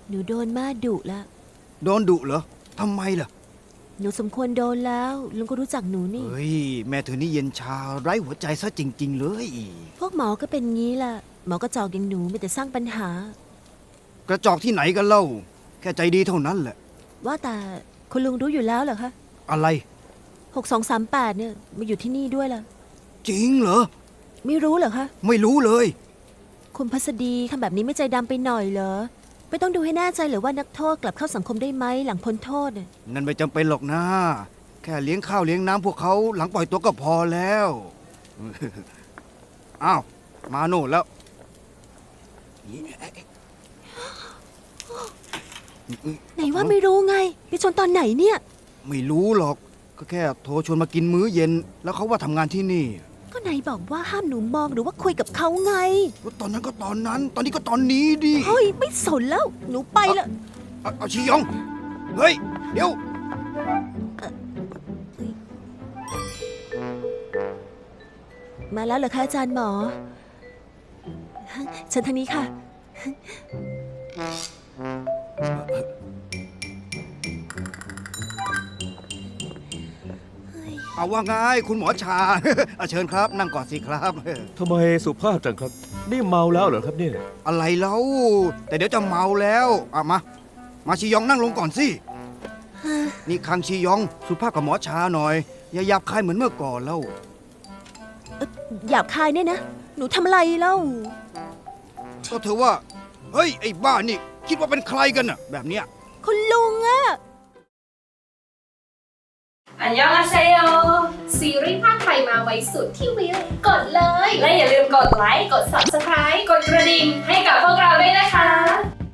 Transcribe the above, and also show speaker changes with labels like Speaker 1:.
Speaker 1: หนูโดนม่าดุแล้ว
Speaker 2: โดนดุเหรอทำไมล่ะ
Speaker 1: หนูสมควรโดนแล้วลุงก็รู้จักหนูนี่
Speaker 2: เฮ้ยแม่เธอนี่เย็นชาไร้หัวใจซะจริงๆเลย
Speaker 1: พวกหมอก็เป็นงี้ล่ะหมอก็จอกอย่างหนูมีแต่สร้างปัญหาก
Speaker 2: ระจอกที่ไหนกันเล่าแค่ใจดีเท่านั้นแหละ
Speaker 1: ว่าแต่คุณลุงรู้อยู่แล้วเหรอคะ
Speaker 2: อะไร
Speaker 1: 6238เนี่ยมาอยู่ที่นี่ด้วยล่ะ
Speaker 2: จริงเหรอ
Speaker 1: ไม่รู้เหรอคะ
Speaker 2: ไม่รู้เลย
Speaker 1: คุณพัสดีทำแบบนี้ไม่ใจดำไปหน่อยเหรอไม่ต้องดูให้แน่ใจหรือว่านักโทษกลับเข้าสังคมได้ไหมหลังพ้นโทษเนี่ย
Speaker 2: นั่นไม่จำเป็นหรอกนะแค่เลี้ยงข้าวเลี้ยงน้ำพวกเขาหลังปล่อยตัวก็พอแล้วอ้าวมาโน่นแล้ว
Speaker 1: ไหนว่าไม่รู้ไงไปชนตอนไหนเนี่ย
Speaker 2: ไม่รู้หรอกก็แค่โทรชวนมากินมื้อเย็นแล้วเขาว่าทำงานที่นี่
Speaker 1: ก็ไหนบอกว่าห้ามหนูมองหรือว่าคุยกับเขาไง
Speaker 2: ตอนนั้นก็ตอนนั้นตอนนี้ก็ตอนนี้ดิ
Speaker 1: เฮ้ยไม่สนแล้วหนูไปละ
Speaker 2: เอาชิยองเฮ้ยเดี๋ยว
Speaker 1: มาแล้วเหรอคะอาจารย์หมอเชิญทางนี้ค่ะ
Speaker 2: เอาว่าไงคุณหมอชา เชิญครับนั่งก่อนสิครับ
Speaker 3: ทำไมสุภาพจังครับนี่เมาแล้วเหรอครับเนี่ย
Speaker 2: อะไรเล่าแต่เดี๋ยวจะเมาแล้วมาชิยองนั่งลงก่อนสินี่คังชิยองสุภาพกับหมอชาหน่อยอย่าหยาบคายเหมือนเมื่อก่อนแล้ว
Speaker 1: หยาบคายเนี่ยนะหนูทำอะไรเล่า
Speaker 2: ก็เธอว่าเฮ้ยไอ้บ้านี่คิดว่าเป็นใครกันน่ะแบบเนี้ย
Speaker 1: คุณลุงอะ
Speaker 4: อันยองอาเซโยซีรีส์ภาคไทยมาไว้สุดที่วิวกดเลย และอย่าลืมกดไลค์ กด Subscribe กดกระดิ่งให้กับพวกเราด้วยนะคะ